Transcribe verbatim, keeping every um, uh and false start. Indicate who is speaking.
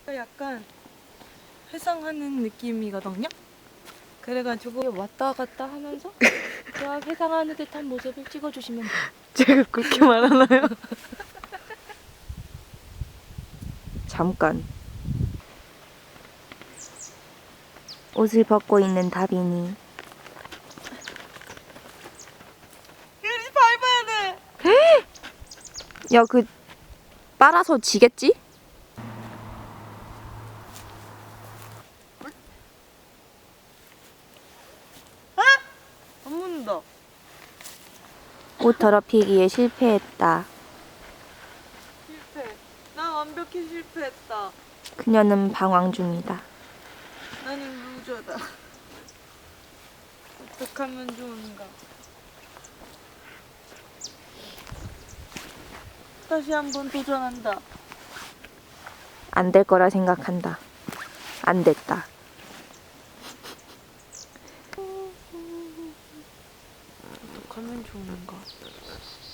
Speaker 1: 약간 회상하는 느낌이거든요. 그래가지고
Speaker 2: 왔다 갔다 하면서 그냥 회상하는 듯한 모습을 찍어주시면 돼요.
Speaker 1: 제가 그렇게 말하나요?
Speaker 2: 잠깐. 옷을 벗고 있는 다빈이.
Speaker 1: 유리 밟아야 돼.
Speaker 2: 야, 그 빨아서 지겠지?
Speaker 1: 안 묻는다.
Speaker 2: 옷 더럽히기에 실패했다.
Speaker 1: 실패. 난 완벽히 실패했다.
Speaker 2: 그녀는 방황 중이다.
Speaker 1: 나는 루저다. 어떡하면 좋은가. 다시 한번 도전한다.
Speaker 2: 안 될 거라 생각한다. 안 됐다.
Speaker 1: 어떡하면 좋은가.